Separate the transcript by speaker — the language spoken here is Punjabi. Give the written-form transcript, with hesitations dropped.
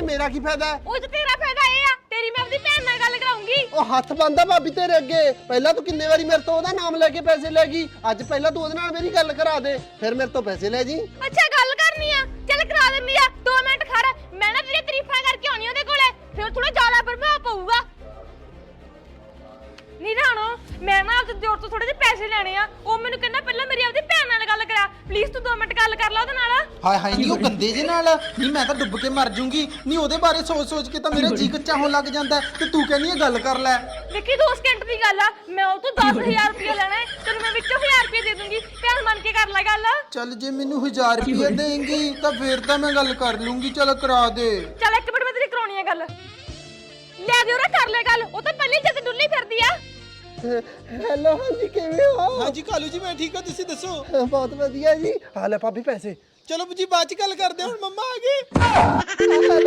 Speaker 1: ਮੇਰਾ ਕੀ ਫਾਇਦਾ ਹੈ?
Speaker 2: ਉਹ ਤੇ ਤੇਰਾ ਫਾਇਦਾ ਇਹ ਆ, ਤੇਰੀ ਮੈਂ ਆਪਣੀ ਭੈਣ ਨਾਲ ਗੱਲ ਕਰਾਉਂਗੀ।
Speaker 1: ਉਹ ਹੱਥ ਬੰਦਾ ਭਾਬੀ ਤੇਰੇ ਅੱਗੇ। ਪਹਿਲਾਂ ਤੂੰ ਕਿੰਨੇ ਵਾਰੀ ਮੇਰੇ ਤੋਂ ਉਹਦਾ ਨਾਮ ਲੈ ਕੇ ਪੈਸੇ ਲੈ ਗਈ। ਅੱਜ ਪਹਿਲਾਂ ਤੂੰ ਉਹਦੇ ਨਾਲ ਮੇਰੀ ਗੱਲ ਕਰਾ ਦੇ, ਫਿਰ ਮੇਰੇ ਤੋਂ ਪੈਸੇ ਲੈ ਜੀ।
Speaker 2: ਅੱਛਾ ਗੱਲ ਕਰਨੀ ਆ, ਚੱਲ ਕਰਾ ਦਿੰਦੀ ਆ। 2 ਮਿੰਟ ਖੜ, ਮੈਂ ਨਾ ਤੇਰੀ ਤਾਰੀਫਾਂ ਕਰਕੇ ਆਉਣੀ ਉਹਦੇ ਕੋਲੇ, ਫਿਰ ਥੋੜਾ ਜ਼ਿਆਦਾ ਪ੍ਰਭਾਵ ਪਊਗਾ। ਨਹੀਂ ਰਾਣੋ, ਮੈਂ ਨਾ ਆਪਦੇ ਦਿਓਰ ਤੋਂ ਥੋੜੇ ਜਿਹੇ ਪੈਸੇ ਲੈਣੇ ਆ। ਉਹ ਮੈਨੂੰ ਕਹਿੰਦਾ ਪਹਿਲਾਂ ਮੇਰੀ ਆਪਦੀ ਭੈਣ ਨਾਲ ਗੱਲ ਕਰਾ, ਪਲੀਜ਼ ਤੂੰ 2 ਮਿੰਟ ਗੱਲ ਕਰ ਲੈ ਉਹਦੇ ਨਾਲ।
Speaker 3: ਹਾਏ ਹਾਏ ਨਹੀਂ ਉਹ ਗੰਦੇ ਜੇ ਨਾਲ ਨਹੀਂ, ਮੈਂ ਤਾਂ ਡੁੱਬ ਕੇ ਮਰ ਜੂੰਗੀ। ਨਹੀਂ ਉਹਦੇ ਬਾਰੇ ਸੋਚ ਕੇ ਤਾਂ ਮੇਰਾ ਜੀ ਕੱਚਾ ਹੋਣ ਲੱਗ ਜਾਂਦਾ ਤੇ ਤੂੰ ਕਹਿੰਦੀ ਹੈ ਗੱਲ ਕਰ ਲੈ।
Speaker 2: ਦੇਖੀ 2 ਸਕਿੰਟ ਦੀ ਗੱਲ ਆ, ਮੈਂ ਉਹ ਤੋਂ 10,000 ਰੁਪਏ ਲੈਣਾ ਹੈ, ਤੈਨੂੰ ਮੈਂ ਵਿੱਚੋਂ 1000 ਰੁਪਏ ਦੇ ਦੂੰਗੀ। ਭੈਣ ਮੰਨ ਕੇ ਕਰ ਲੈ ਗੱਲ।
Speaker 3: ਚੱਲ ਜੇ ਮੈਨੂੰ 1000 ਰੁਪਏ ਦੇਂਗੀ ਤਾਂ ਫੇਰ ਤਾਂ ਮੈਂ ਗੱਲ ਕਰ ਲੂੰਗੀ। ਚੱਲ ਕਰਾ ਦੇ।
Speaker 2: ਚੱਲ 1 ਮਿੰਟ ਮੈਂ ਤੇਰੀ ਕਰਾਉਣੀ ਆ ਗੱਲ। ਲੈ ਦਿਓ ਰੇ, ਕਰ ਲੈ ਗੱਲ। ਉਹ ਤਾਂ ਪਹਿਲੀ ਜਦ ਡੁੱਲੀ ਫਿਰਦੀ ਆ।
Speaker 1: ਹੈਲੋ ਹਾਂਜੀ, ਕਿਵੇਂ ਹੋ?
Speaker 4: ਹਾਂਜੀ ਕਾਲੂ ਜੀ ਮੈਂ ਠੀਕ ਹਾਂ, ਤੁਸੀਂ ਦੱਸੋ?
Speaker 1: ਬਹੁਤ ਵਧੀਆ ਜੀ। ਆ ਲੈ ਭਾਬੀ ਪੈਸੇ।
Speaker 4: ਚਲੋ ਜੀ ਬਾਅਦ ਚ ਗੱਲ ਕਰਦੇ ਹਾਂ, ਹੁਣ ਮੰਮਾ ਆ ਗਏ।